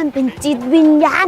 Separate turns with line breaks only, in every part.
มันเป็นจิตวิญญาณ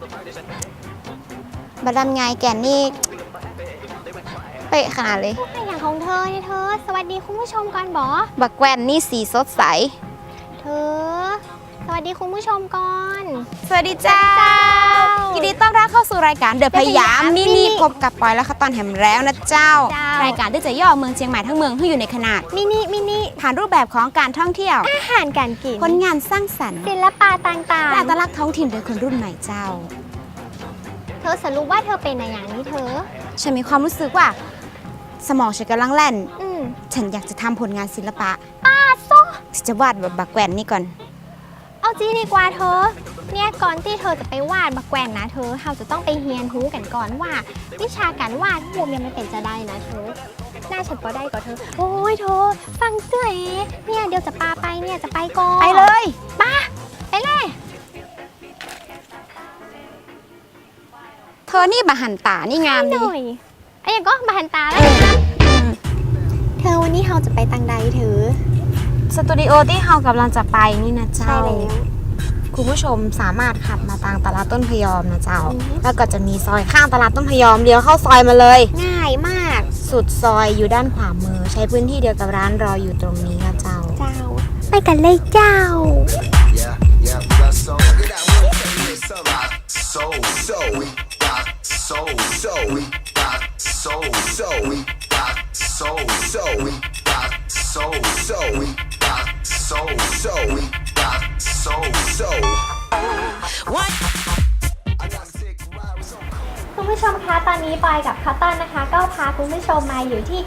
บัดดำไงแกนนี่เป๊ะขนาดเลย
อย่างของเธอเนี่ยเธอสวัสดีคุณผู้ชมก่อนบอ
บักแกวนนี่สีสดใส
เธอสวัสดีคุณผู้ชมก่อน
สวัสดีเจ้ายินดีต้อนรับเข้าสู่รายการเดอะพยามมินิพบกับปอยและข้าวตอนแหมแล้วนะเจ้า รายการที่จะย่อเมืองเชียงใหม่ทั้งเมืองให้อยู่ในขนาด
มินิ
ผ่านรูปแบบของการท่องเที่ยว
อาหารการกิน
ผลงานสร้างสรรค์
ศิลปะต่าง
และอัตลักษณ์ท้องถิ่นโดยคนรุ่นใหม่เจ้า
ๆ เธอสรุปว่าเธอเป็นอะไรอย่างนี้เธอ
ฉันมีความรู้สึกว่าสมองฉันกำลังแล่น
ม
ฉันอยากจะทำผลงานศิลปะ
โซ่
ฉันจะวาดแบบบักแกวนนี่ก่อน
เอาจริงดีกว่าเธอเนี่ยก่อนที่เธอจะไปวาดบักแกวนนะเธอเราจะต้องไปเรียนรู้กันก่อนว่า วิชาการวาดรูปเนี่ยมันเป็นจะได้นะเธอหน้าฉันก็ได้ก่อนเธอโอ้ยเธอฟังเจ้ยเนี่ยเดี๋ยวจะปาไปเนี่ยจะไปก่อน
ไปเลย
ป้าไปเลย
เธอนี่บาหันตานี่งาม
ห
ดี
น่อยไอ้ยังก็มาหันตาแล้วเธอวันนี้เราจะไปตังใดเธอ
สตูดิโอที่เรากำลังจะไปนี่นะเจ้า
ใช่แล้ว
คุณผู้ชมสามารถขับมาทางตลาดต้นพยอมนะเจ้า
อือฮึ
แล้วก็จะมีซอยข้างตลาดต้นพยอมเลี้ยวเข้าซอยมาเลย
ง่ายมาก
สุดซอยอยู่ด้านขวามือ ใช้พื้นที่เดียวกับร้านรออยู่ตรงนี้นะเจ้า
เจ้า ไปกันเลยเจ้า
Yeah, we got soul. Look at that one. It's a rock. Soul, we got soul, we got soul, we got soul, we got soul, we got soul, we got soul. What? I got sick ride with some.
คุณผู้ชมคะตอนนี้ปอยกับคอตตอนนะคะ ก็พาคุณผู้ชมมาอยู่ที่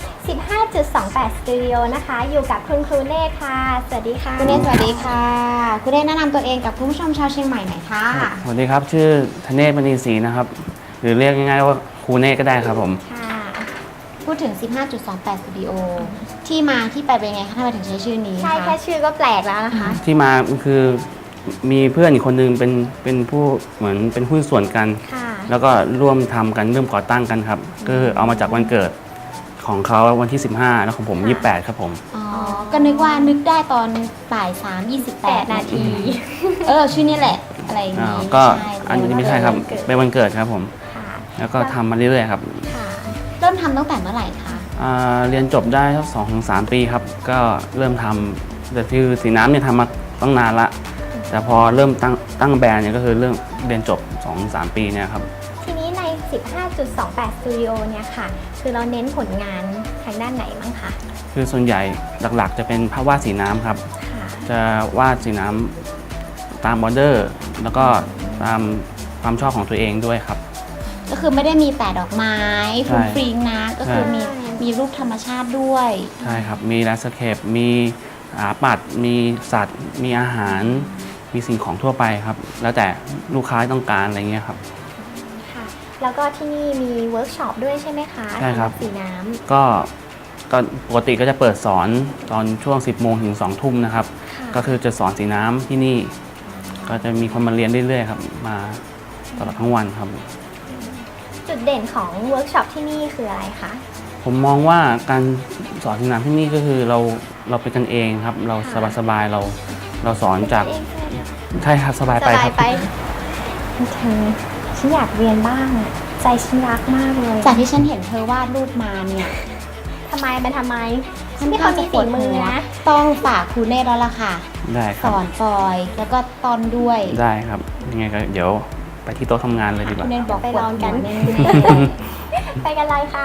15.28 สตูดิโอนะคะ อยู่กับคุณครูเน่ค่ะ สวัสดีค่ะ
คุณเน่สวัสดีค่ะ คุณเน่แนะนำตัวเองกับคุณผู้ชมชาวเชียงใหม่หน่อยค่ะ
สวัสดีครับ ชื่อธเนศมณีศรีนะครับ หรือเรียกง่ายๆว่าครูเนศก็ได้ครับผม
ค่ะ
พูดถึง 15.28 สตูดิโอที่มาที่ไปเป็นไงคะทำไมถึงใช้ชื่อนี้
ใช่
คะ
แค่ชื่อก็แปลกแล้วนะคะ
ที่มาคือมีเพื่อนอีกคนนึงเป็นผู้เหมือนเป็นหุ้นส่วนกัน
ค่ะ
แล้วก็ร่วมทำกันร่วมก่อตั้งกันครับก็คือเอามาจากวันเกิดของเขาวันที่ 15 แล้วของผม 28 ครับผม
อ๋อ ก็นึกว่านึกได้ตอนบ่าย3:28 นาที ชื่อนี่แหละ อะไรอย่างนี้
ก็
ใช่
อันนี้ไม่ใช่ครับเป็นวันเกิดครับผม
ค่ะ
แล้วก็ทำมาเรื่อยๆครับ
ค่ะ
เริ่มทำตั้งแต่เมื่อไหร่คะ
เรียนจบได้สัก2-3 ปีครับ ก็เริ่มทำแต่คือสีน้ำเนี่ยทำมาตั้งนานละ แต่พอเริ่มตั้งแบรนด์เนี่ยก็คือเรื่องเรียนจบ 2-3 ปีเนี่ยครับ
ทีนี้ใน 15.28 สตูดิโอเนี่ยค่ะ คือเราเน้นผลงานทางด้านไหนบ้างคะ
คือส่วนใหญ่หลักๆ จะเป็นภาพวาดสีน้ำครับ
ค่ะ
จะวาดสีน้ำตามบอร์เดอร์ แล้วก็ตามความชอบของตัวเองด้วยครับ
ก็คือไม่ได้มีแต่ดอกไม้
ใช่
ฟรุ้งฟริ้งนะ ก็คือ
ใช่
มีรูปธรรมชาติด้วย
ใช่ครับ มีแลนด์สเคป มีปัด มีสัตว์ มีอาหาร มีสิ่งของทั่วไปครับ แล้วแต่ลูกค้าต้องการอะไรเงี้ยครับ
ค่ะ แล้วก็ที่นี่มีเวิร์กช็อปด้วยใช่ไหมคะ
ใช่ครับ
สำหสีน้
ก็ปกติก็จะเปิดสอนตอนช่วง 10 โมงถึง 2 ทุ่มนะครับ
ำ
ก็
ค่ะ
คือจะสอนสีน้ำที่นี่ ก็จะมีคนมาเรียนเรื่อยๆครับ มาตลอดทั้งวันครับ
จุดเด่นของเวิร์กช็อปที่นี่คืออะไรคะ
ผมมองว่าการสอนสีน้ำที่นี่ก็คือเราเป็นกันเองครับ เราสบายๆเราสอนจาก
เองใช่ไหม
ใช่ครับสบาย
ส
ไป
บา
ค
ย
รับ
ไปเธอฉันอยากเรียนบ้าง ใจฉันรักมากเลย
จากที่ฉันเห็นเธอวาดรูปมาเนี่ย
ทำไมมันทำไม
ค่อน
นี่
ข้า
เขา
ง
มี
จะป
ฝี
วด
มื
หั
อ
ว
นะ
ต้องฝากครูเน่แล้วล่ะค่ะ
ได้ค
ส
รับ
อนปอยแล้วก็ตอนด้วย
ได้ครับยังไงก็เดี๋ยวไปที่โต๊ะทำงานเลยดีก
ครู
ว่า
เน่บอก
ไป
ปวด
ลอง
หั
กั
วน แน่
ไปกันเลยค่ะ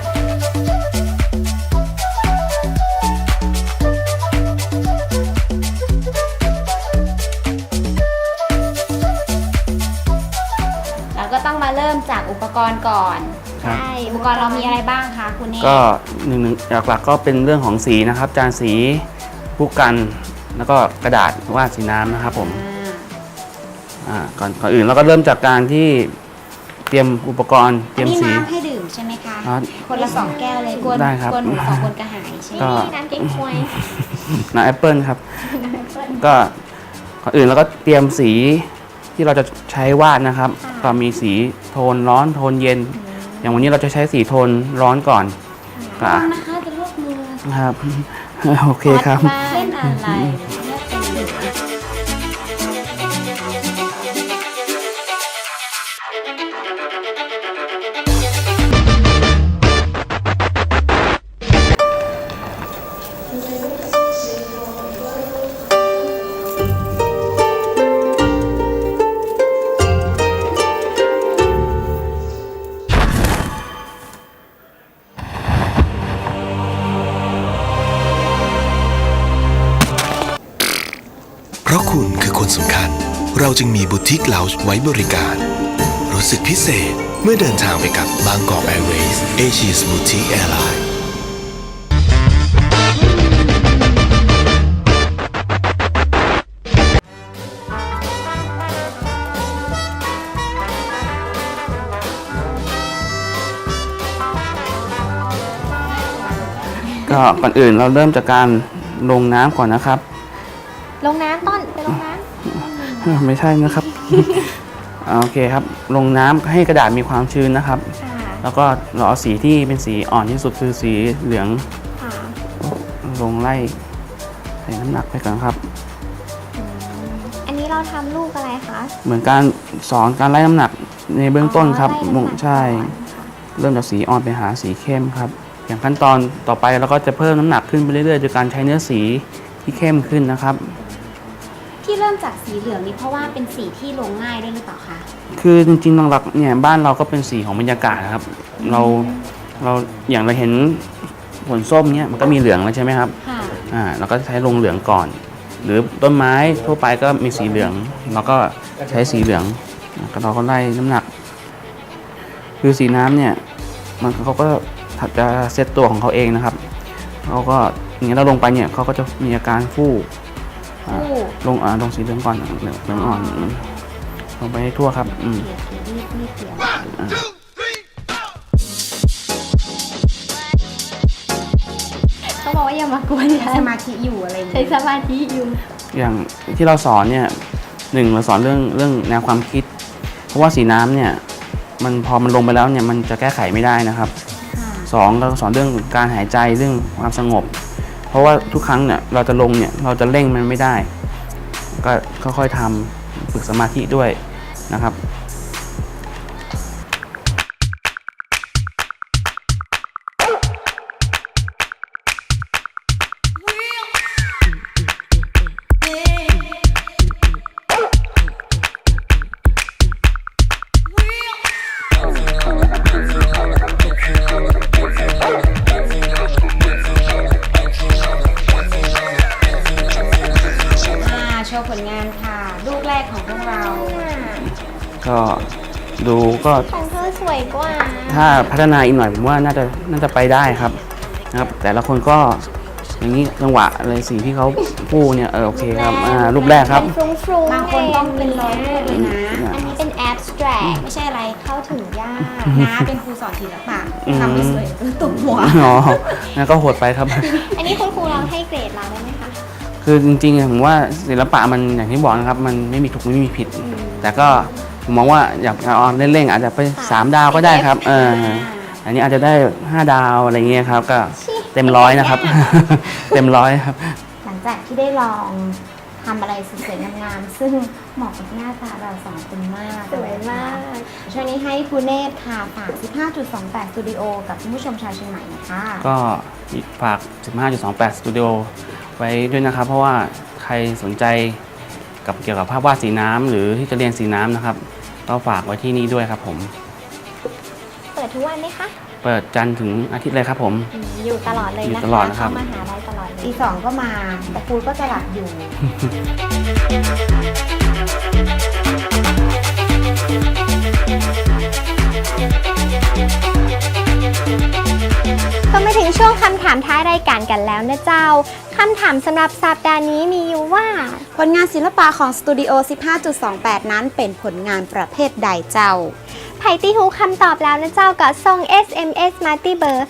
เราก็ต้องมาเริ่มจากอุปกรณ์ก่อน
ครับ
ใช่
อุปกรณ์เรามีอะไรบ้างคะคุณเน่
ก็หนึ่งหลักๆก็เป็นเรื่องของสีนะครับ จานสีผู้กัน แล้วก็กระดาษวาดสีน้ำนะครับผม ก่อนอื่นเราก็เริ่มจากการที่เตรียมอุปกรณ์เต
อั
รี
น
ยม
นี้
สี
น้ำให้ดื่มใช่ไหมคะ
ครับ
คนละ2 แก้วเลยกวน
ได้ครับ
กวนหนู2 คนกระหายใช่ไหม
ก็
นี่น้ำเก๊กฮวย
น้ำแอปเปิลครับ ก็ก่อนอื่นเราก็เตรียมสีที่เราจะใช้วาดนะครับ ก็มีสีโทนร้อนโทนเย็น อย่างวันนี้เราจะใช้สีโทนร้อนก่อน
ระวังนะคะจะลวกมือ
ครับ โอเคครับ
เล่นอะไรเลือกเป็น
เราจึงมีบูติกเลาจ์ไว้บริการ รู้สึกพิเศษเมื่อเดินทางไปกับบางกอกแอร์เวย์ Asia's Boutique Airline
ก็ก่อนอื่นเราเริ่มจากการลงน้ำก่อนนะครับ
ลงน้ำต้นไปลงน้
ไม่ใช่นะครับ โอเคครับ ลงน้ำให้กระดาษมีความชื้นนะครับ
ำค่ะ
แล้วก็เราเอาสีที่เป็นสีอ่อนที่สุดคือสีเหลือง
ค่ะ
ลงไล่ใส่น้ำหนักไปก่อนครับ
อันนี้เราทำลูกอะไรคะ
เหมือนการสอนการไล่น้ำหนักในเบื้องต้นครับ
ไล่น้ำหนัก
ใช่
ก่อนค่ะ
เริ่มจากสีอ่อนไปหาสีเข้มครับ อย่างขั้นตอนต่อไปเราก็จะเพิ่มน้ำหนักขึ้นไปเรื่อยๆโดยการใช้เนื้อสีที่เข้มขึ้นนะครับ
ที่เริ่มจากสีเหลืองนี่เพราะว่าเป็นสีที่ลงง่ายด้วยหรือเปล่าคะ
คือจริงๆหลักๆเนี่ยบ้านเราก็เป็นสีของบรรยากาศนะครับ เราอย่างเราเห็นผลส้มเนี่ยมันก็มีเหลืองแล้วใช่ไหมครับ
ค่ะ
เราก็ใช้ลงเหลืองก่อน หรือต้นไม้ทั่วไปก็มีสีเหลืองเราก็ใช้สีเหลืองเราก็ไล่น้ำหนัก คือสีน้ำเนี่ยเขาก็จะเซตตัวของเขาเองนะครับเขาก็อย่างนี้เราลงไปเนี่ยเขาก็จะมีอาการฟู่ลงสีเหลืองก่อนเหลืองอ่อนลงไปให้ทั่วครับ
เขาบอกว่าอย่ามากวนกัน
สมาธิอยู่อะไรอย่าง
ใช้
เงี้ย
สมาธิอยู่
อย่างที่เราสอนเนี่ยเราสอนเรื่องแนวความคิด เพราะว่าสีน้ำเนี่ยพอมันลงไปแล้วเนี่ยมันจะแก้ไขไม่ได้นะครับสองเราสอนเรื่องการหายใจเรื่องความสงบ เพราะว่าทุกครั้งเนี่ยเราจะลงเนี่ยเราจะเร่งมันไม่ได้ ก็ค่อยๆทำฝึกสมาธิด้วยนะครับ
โชว์ผลงานค่ะ ลูกแรกของพวกเรา
ก็ดูก็
ของเธอสวยกว่า
ถ้าพัฒนาอีกหน่อยผมว่าน่าจะไปได้ครับนะครับ แต่ละคนก็อย่างนี้จังหวะอะไรสีที่เขาพูดเนี่ยโอเคครับรูปแรกครับ
เป็นฟรุ้งๆ
บางคนต้องเป็นร้อยรูปเลยนะ
อันนี้เป็น abstract
ไม่ใช่อะไร
เข้าถึงยาก
น้าเป็นครูสอนศิลปะทำไม่สวยตุ่มหัว
อ๋อนั่นก็โหดไปครับ
อันนี้คุณครูเราให้เกรดเราได้ไหมคะ
คือจริงๆผมว่าศิลปะมันอย่างที่บอกนะครับมันไม่มีถูกไม่มีผิด แต่ก็ผมมองว่าอยากเอาเล่นๆอาจจะไป3 ดาวก็ได้ครับอันนี้อาจจะได้5 ดาวอะไรเงี้ยครับก็เต็ม100นะครับ เต็ม100ครับ
หลังจากที่ได้ลองทำอะไรสวยๆงามๆซึ่งเหมาะกับหน้าตาเราสองคนมาก
สวยมาก
ช่วงนี้ให้ครูเนตรค่ะฝาก 15.28 สตูดิโอกับคุณผู้ชมชาวเชียงใหม่นะคะ
ก็ฝาก 15.28 สตูดิโอไว้ด้วยนะครับ เพราะว่าใครสนใจเกี่ยวกับภาพวาดสีน้ำหรือที่จะเรียนสีน้ำนะครับ ก็ฝากไว้ที่นี่ด้วยครับผม
เปิดทุกวันไหมคะ
เปิดจันทร์ถึงอาทิตย์เลยครับผม
อยู่ตลอดเลย
อยู่
นะคะ
ตลอดนะครับ
เข้ามาหาได้ตลอดเลย
ตี 2 ก็มา แต่ครูก็จะหลับอยู่
ก็มาถึงช่วงคำถามท้ายรายการกันแล้วนะเจ้าคำถามสำหรับสัปดาห์นี้มีอยู่ว่า
ผลงานศิลปะของสตูดิโอ 15.28 นั้นเป็นผลงานประเภทใดเจ้า
ไผ่ตีหูคำตอบแล้วนะเจ้าก็ส่ง SMS มาที่เบอร์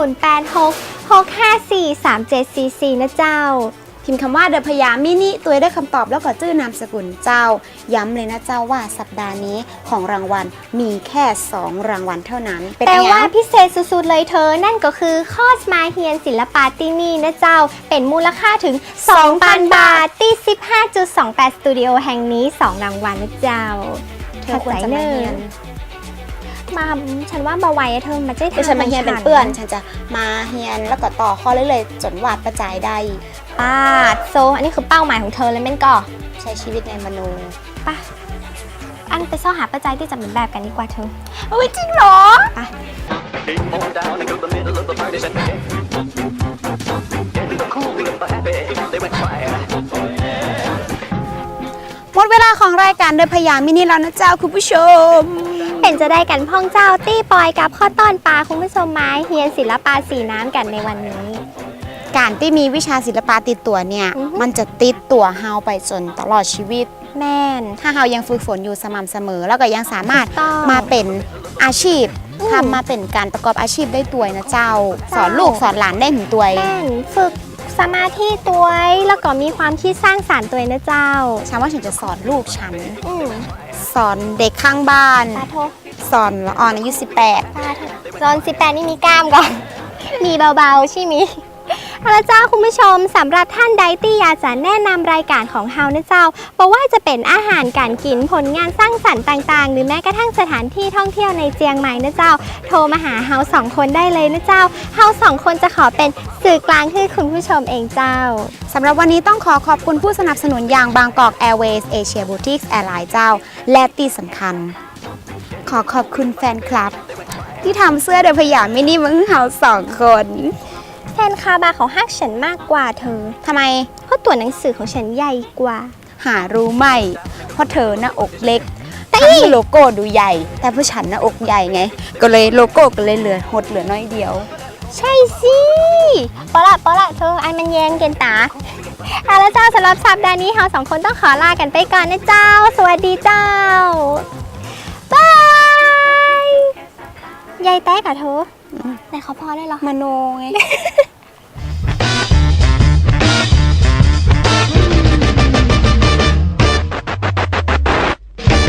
0866543744 นะเจ้า
พิมพ์คำว่าเดอะพยามินิตัวได้คำตอบแล้วก็ชื่อนามสกุลเจ้า ย้ำเลยนะเจ้าว่าสัปดาห์นี้ของรางวัลมีแค่ 2 รางวัลเท่านั้น เป็น
แต่
ไง
ว่าพิเศษสุดๆเลยเธอ นั่นก็คือคอสมาเฮียนศิลปะที่นี่นะเจ้า เป็นมูลค่าถึง 2,000 บาทที่ 15.28 สตูดิโอแห่งนี้ 2 รางวัลนะเจ้า
เธอควรจะมาเรียน
มาฉันว่าบาไว้เธอมาใจ
แต่ฉันมาเฮียนเป็นเปื้อน ฉันจะมาเฮียนแล้วก็ต่อข้อเรื่อยๆจนวาดประจายได้
ปาดโซอันนี้คือเป้าหมายของเธอเลยแม่นก่อ
ใช้ชีวิตในมโน
ป่ะ อันไปซ่อหาปัจจัยที่จะเป็นแบบกันดีกว่าเธอ
โอ้ยจริงเหรอ
Came on down into the middle of the party, said, "Hey, the cool, the happy, they went quiet."
หมดเวลาของรายการเดินพยามมินิแล้วนะเจ้าคุณผู้ชม
เป็นจะได้กันพ่องเจ้าตี้ปอยกับข้อต้อนปลาคุณผู้ชมไม้เฮียนศิลปะสีน้ำกันในวันนี้
การที่มีวิชาศิลปะติดตัวเนี่ย
อือฮึ
มันจะติดตัวเฮาไปจนตลอดชีวิต
แม่น
ถ้าเฮายังฝึกฝนอยู่สม่ำเสมอ แล้วก็ยังสามารถ
ถูกต้อง
มาเป็นอาชีพ
อืม
ทำมาเป็นการประกอบอาชีพได้ตัวยนะเจ้า
เจ้า
สอนลูกสอนหลานได้ถึงตัวย
แม่นฝึกสมาธิตัวแล้วก็มีความคิดสร้างสรรค์ตัวนะเจ้า
ฉันว่าฉันจะสอนลูกฉัน
อืม
สอนเด็กข้างบ้าน
ตาโท
สอนละอ่อนอายุ
ตาโทจอน18นี่มีกล้ามก่อน มีเบาๆใช่ไหมยเอาละเจ้าคุณผู้ชมสำหรับท่านใดที่อยากจะแนะนำรายการของเฮานะเจ้าบอกว่าจะเป็นอาหารการกินผลงานสร้างสรรค์ต่างๆ หรือแม้กระทั่งสถานที่ท่องเที่ยวในเจียงใหม่นะเจ้า โทรมาหาเฮา2 คนได้เลยนะเจ้าเฮา2 คนจะขอเป็นสื่อกลางให้คุณผู้ชมเองเจ้า
18สำหรับวันนี้ต้องขอขอบคุณผู้สนับสนุนอย่างบางกอก Airways Asia Boutiques Airlines เจ้า และที่สำคัญ ขอขอบคุณแฟนคลับ ที่ทำเสื้อเดินพยามมินิมาให้เฮา2 คน
แฟนคาบาเขาฮักฉันมากกว่าเธอ
ทำไม
เพราะตัวหนังสือของฉันใหญ่กว่า
หารู้ไหม เพราะเธอหน้าอกเล็กแต่โลโก้ดูใหญ่ แต่ผู้ฉันหน้าอกใหญ่ไง ก็เลยโลโก้ก็เลยเหลือหดเหลือน้อยเดียว
ใช่สิปอละเธอไอ้มันแยงเกินตาเอาละเจ้าสำหรับสัปดาห์นี้เรา2 คนต้องขอลากันไปก่อนนะเจ้า สวัสดีเจ้า บายยายแต๊กอะเธอแต่เขาพอได้เหรอ
มโนไง